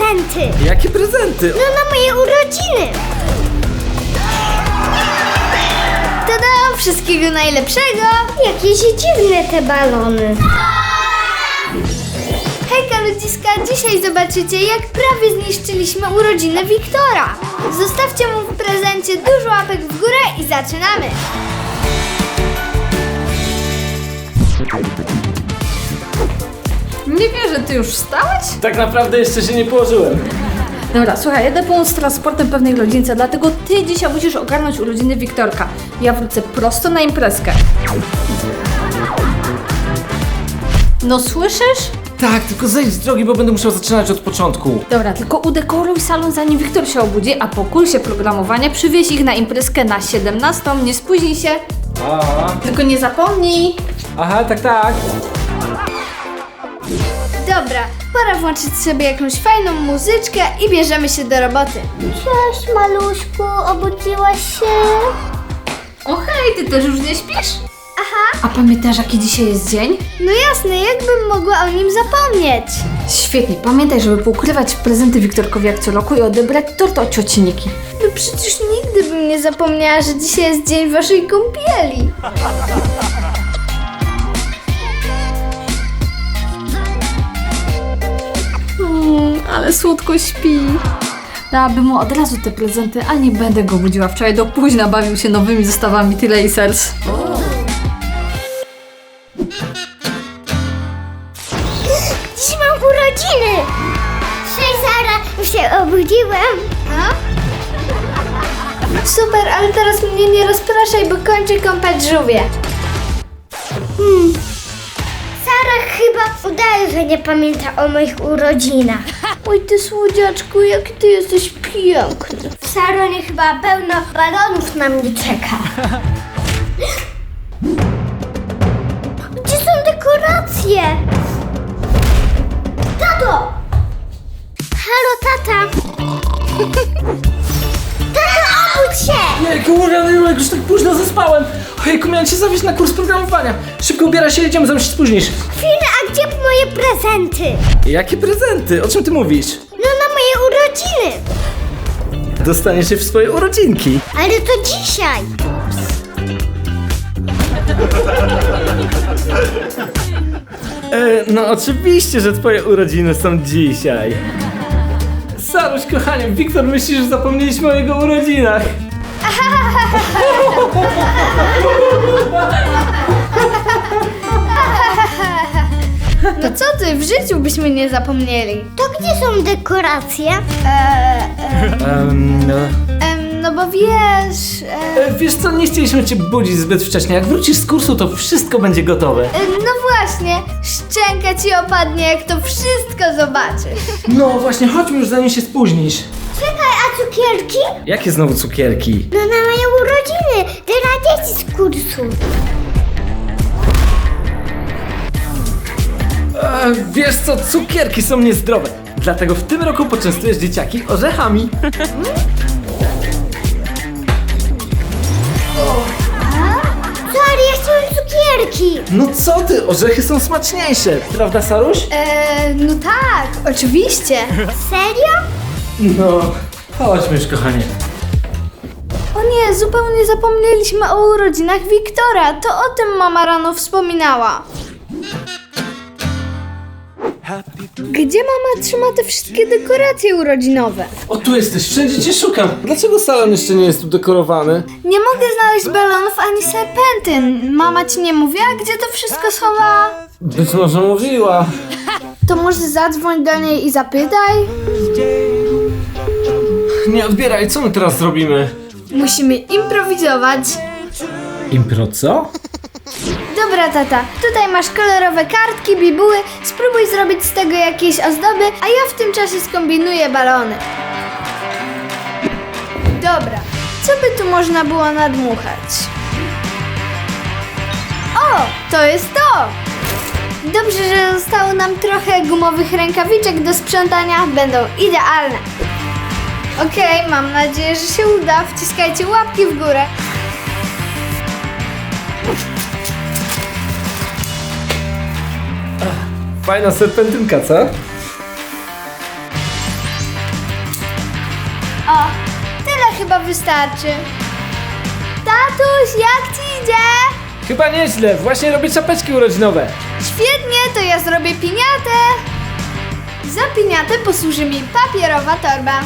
prezenty. Jakie prezenty? No na moje urodziny. Tada! Wszystkiego najlepszego. Jakieś dziwne te balony. Hejka ludziska, dzisiaj zobaczycie, jak prawie zniszczyliśmy urodziny Wiktora. Zostawcie mu w prezencie dużo łapek w górę i zaczynamy. Nie wierzę, ty już wstałeś? Tak naprawdę jeszcze się nie położyłem. Dobra, słuchaj, jadę pomóc transportem pewnej rodzince, dlatego ty dzisiaj musisz ogarnąć urodziny Wiktorka. Ja wrócę prosto na imprezkę. No słyszysz? Tak, tylko zejdź z drogi, bo będę musiał zaczynać od początku. Dobra, tylko udekoruj salon, zanim Wiktor się obudzi, a po kursie programowania przywieź ich na imprezkę na 17, nie spóźnij się. Tylko nie zapomnij. Aha, tak. Dobra, pora włączyć sobie jakąś fajną muzyczkę i bierzemy się do roboty. Cześć maluśku, obudziłaś się? O hej, ty też już nie śpisz? Aha. A pamiętasz, jaki dzisiaj jest dzień? No jasne, jakbym mogła o nim zapomnieć. Świetnie, pamiętaj, żeby poukrywać prezenty Wiktorkowi jak co roku i odebrać tort od cioci Niki. No przecież nigdy bym nie zapomniała, że dzisiaj jest dzień waszej kąpieli. Ale słodko śpi. Dałabym mu od razu te prezenty, a nie będę go budziła. Wczoraj do późna bawił się nowymi zestawami T-Lacers. Dziś mam urodziny. Cześć Sara, już się obudziłem. A? Super, ale teraz mnie nie rozpraszaj, bo kończę kąpać żółwie. Sara chyba udaje, że nie pamięta o moich urodzinach. Oj ty słodziaczku, jak ty jesteś piękny. W salonie chyba pełno balonów na mnie czeka. Gdzie są dekoracje? Tato! Halo, tata! Tato, obudź się! Jejku, jak już tak późno zaspałem. Ojejku, miałem cię zawieźć na kurs programowania. Szybko ubieraj się, jedziemy, zanim się spóźnisz. Chwilę, a gdzie moje prezenty? Jakie prezenty? O czym ty mówisz? No na moje urodziny! Dostaniesz się w swoje urodzinki. Ale to dzisiaj! No oczywiście, że twoje urodziny są dzisiaj. Saruś, kochanie, Wiktor myśli, że zapomnieliśmy o jego urodzinach. No co ty, w życiu byśmy nie zapomnieli. To gdzie są dekoracje? No bo wiesz... Wiesz co, nie chcieliśmy cię budzić zbyt wcześnie. Jak wrócisz z kursu, to wszystko będzie gotowe. No właśnie, szczęka ci opadnie, jak to wszystko zobaczysz. No właśnie, chodźmy już, zanim się spóźnisz. Czekaj, a cukierki? Jakie znowu cukierki? No na moje urodziny, dla dzieci z kursu. Wiesz co, cukierki są niezdrowe. Dlatego w tym roku poczęstujesz dzieciaki orzechami. Co, ale ja chciałem cukierki. No co ty, orzechy są smaczniejsze, prawda Saruś? No tak, oczywiście. Serio? No, chodźmy już, kochanie. O nie, zupełnie zapomnieliśmy o urodzinach Wiktora. To o tym mama rano wspominała. Gdzie mama trzyma te wszystkie dekoracje urodzinowe? O, tu jesteś, wszędzie cię szukam. Dlaczego salon jeszcze nie jest tu dekorowany? Nie mogę znaleźć balonów ani serpentyn. Mama ci nie mówiła, gdzie to wszystko schowała? Być może mówiła. To może zadzwoń do niej i zapytaj? Nie odbieraj, co my teraz zrobimy? Musimy improwizować. Impro co? Dobra tata, tutaj masz kolorowe kartki, bibuły. Spróbuj zrobić z tego jakieś ozdoby, a ja w tym czasie skombinuję balony. Dobra, co by tu można było nadmuchać? O, to jest to! Dobrze, że zostało nam trochę gumowych rękawiczek do sprzątania, będą idealne. Okej, mam nadzieję, że się uda. Wciskajcie łapki w górę. Fajna serpentynka, co? O, tyle chyba wystarczy. Tatuś, jak ci idzie? Chyba nieźle, właśnie robię czapeczki urodzinowe. Świetnie, to ja zrobię piniatę. Za piniatę posłuży mi papierowa torba.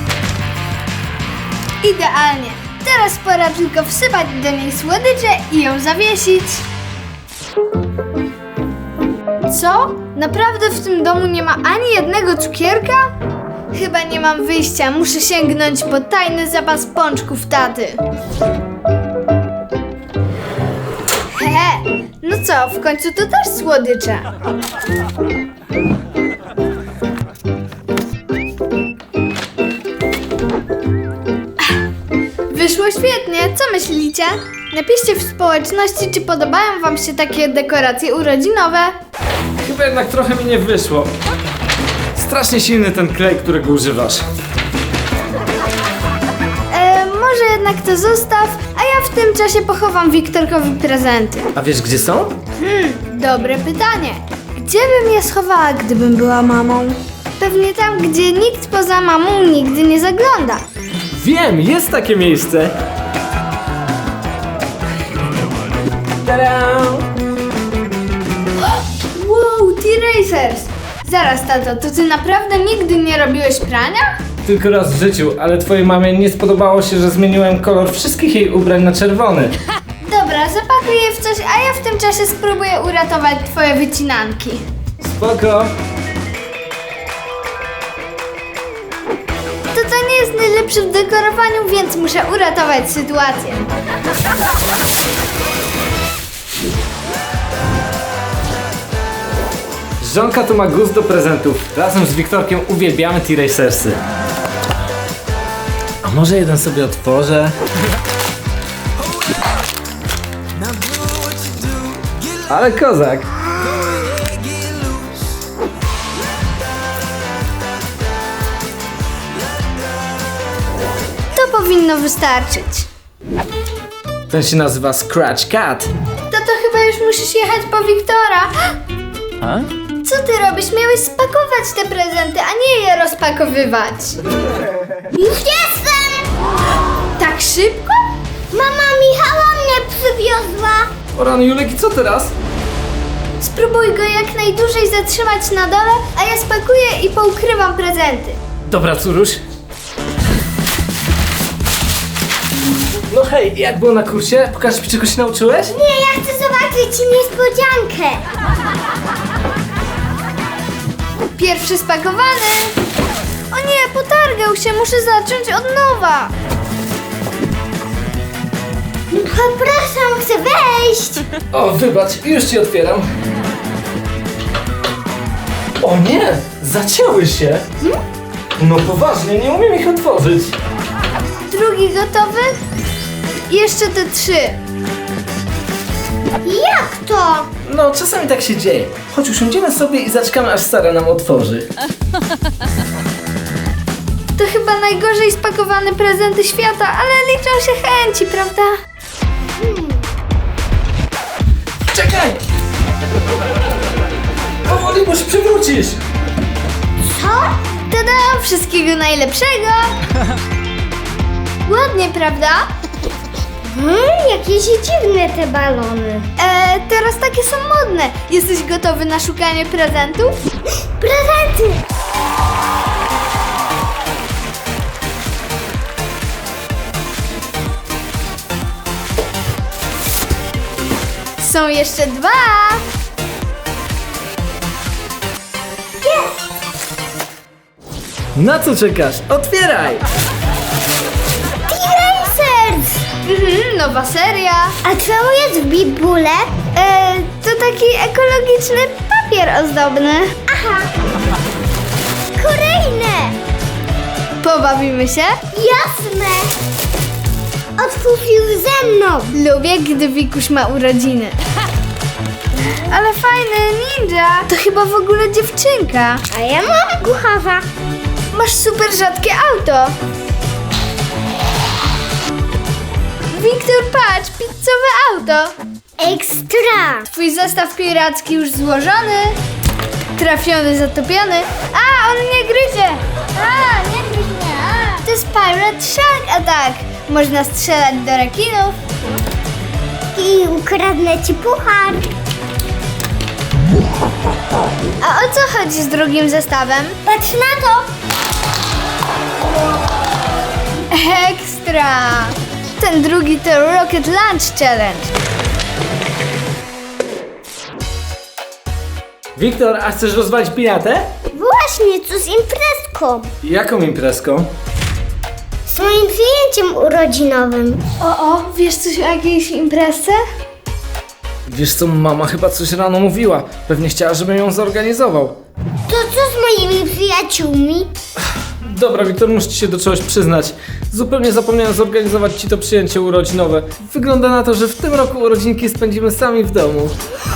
Idealnie. Teraz pora tylko wsypać do niej słodycze i ją zawiesić. Co? Naprawdę w tym domu nie ma ani jednego cukierka? Chyba nie mam wyjścia, muszę sięgnąć po tajny zapas pączków taty. He, no co, w końcu to też słodycze. Wyszło świetnie, co myślicie? Napiszcie w społeczności, czy podobają wam się takie dekoracje urodzinowe. Chyba jednak trochę mi nie wyszło. Strasznie silny ten klej, którego używasz. Może jednak to zostaw, a ja w tym czasie pochowam Wiktorkowi prezenty. A wiesz, gdzie są? Dobre pytanie. Gdzie bym je schowała, gdybym była mamą? Pewnie tam, gdzie nikt poza mamą nigdy nie zagląda. Wiem, jest takie miejsce. Tada! Wow, T-Racers! Zaraz, tato, to ty naprawdę nigdy nie robiłeś prania? Tylko raz w życiu, ale twojej mamie nie spodobało się, że zmieniłem kolor wszystkich jej ubrań na czerwony. Dobra, zapakuj je w coś, a ja w tym czasie spróbuję uratować twoje wycinanki. Spoko. To nie jest najlepszy w dekorowaniu, więc muszę uratować sytuację. Żonka tu ma gust do prezentów. Razem z Wiktorkiem uwielbiamy T-Racersy. A może jeden sobie otworzę? Ale kozak. To powinno wystarczyć. Ten się nazywa Scratch Cat. Tato, chyba już musisz jechać po Wiktora. A? Co ty robisz? Miałeś spakować te prezenty, a nie je rozpakowywać. Już jestem! Tak szybko? Mama Michała mnie przywiozła. O rany, Julek, i co teraz? Spróbuj go jak najdłużej zatrzymać na dole, a ja spakuję i poukrywam prezenty. Dobra, córuś. No hej, jak było na kursie? Pokażesz mi, czego się nauczyłeś? Nie, ja chcę zobaczyć niespodziankę. Pierwszy spakowany. O nie, potargał się, muszę zacząć od nowa. Przepraszam, chcę wejść. O, wybacz, już ci otwieram. O nie, zacięły się. No poważnie, nie umiem ich otworzyć. Drugi gotowy? I jeszcze te 3. Jak to? No, czasami tak się dzieje. Chodź, usiądziemy sobie i zaczekamy, aż Sara nam otworzy. To chyba najgorzej spakowane prezenty świata, ale liczą się chęci, prawda? Czekaj! Powoli, bo się przewrócisz. Co? Tada! Wszystkiego najlepszego! Ładnie, prawda? Jakieś dziwne te balony. Teraz takie są modne. Jesteś gotowy na szukanie prezentów? Prezenty! Są jeszcze 2. Na co czekasz? Otwieraj! T-Racers! Nowa seria. A co jest w bibule? To taki ekologiczny papier ozdobny. Aha. Kolejne. Pobawimy się? Jasne. Otwórz ze mną. Lubię, gdy Wikuś ma urodziny. Ale fajny ninja. To chyba w ogóle dziewczynka. A ja mam kucharza. Masz super rzadkie auto. Wiktor, patrz, pizzowe auto. Ekstra. Twój zestaw piracki już złożony. Trafiony, zatopiony. A, on nie gryzie. A, nie gryź mnie. A. To jest Pirate Shark Attack. Można strzelać do rekinów. I ukradnę ci puchar. A o co chodzi z drugim zestawem? Patrz na to. Ekstra! Ten drugi to Rocket Launch Challenge. Wiktor, a chcesz rozwalić piniatę? Właśnie, co z imprezką? Jaką imprezką? Z moim przyjęciem urodzinowym. O, wiesz coś o jakiejś imprezce? Wiesz co, mama chyba coś rano mówiła. Pewnie chciała, żebym ją zorganizował. To co z moimi przyjaciółmi? Dobra, Wiktor, muszę ci się do czegoś przyznać. Zupełnie zapomniałem zorganizować ci to przyjęcie urodzinowe. Wygląda na to, że w tym roku urodzinki spędzimy sami w domu.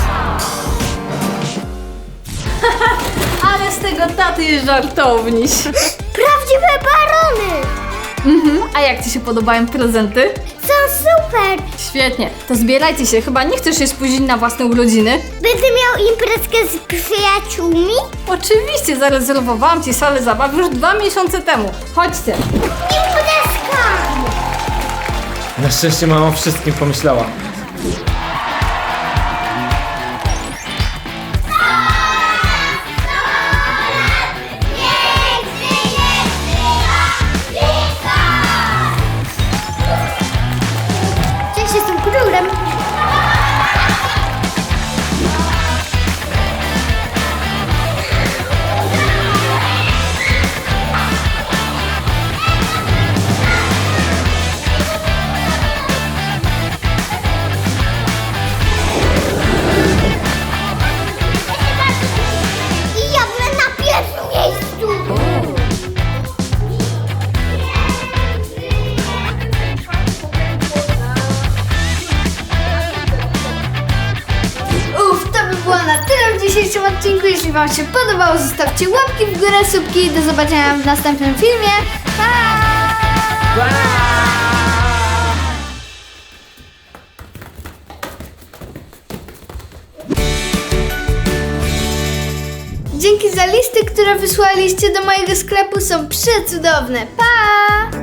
Ale z tego taty jest żartowniś. Prawdziwe barony. A jak ci się podobają prezenty? Są super. Świetnie, to zbierajcie się, chyba nie chcesz się spóźnić na własne urodziny? Będę miał imprezkę z przyjaciółmi? Oczywiście, zarezerwowałam ci salę zabaw już 2 miesiące temu. Chodźcie. Imprezka. Na szczęście mama o wszystkim pomyślała. Cześć, jestem królem. I ja będę na pierwszym miejscu. To by było na tyle w dzisiejszym odcinku. Jeśli wam się podobało, zostawcie łapki w górę, subki i do zobaczenia w następnym filmie. Pa! Dzięki za listy, które wysłaliście do mojego sklepu, są przecudowne. Pa!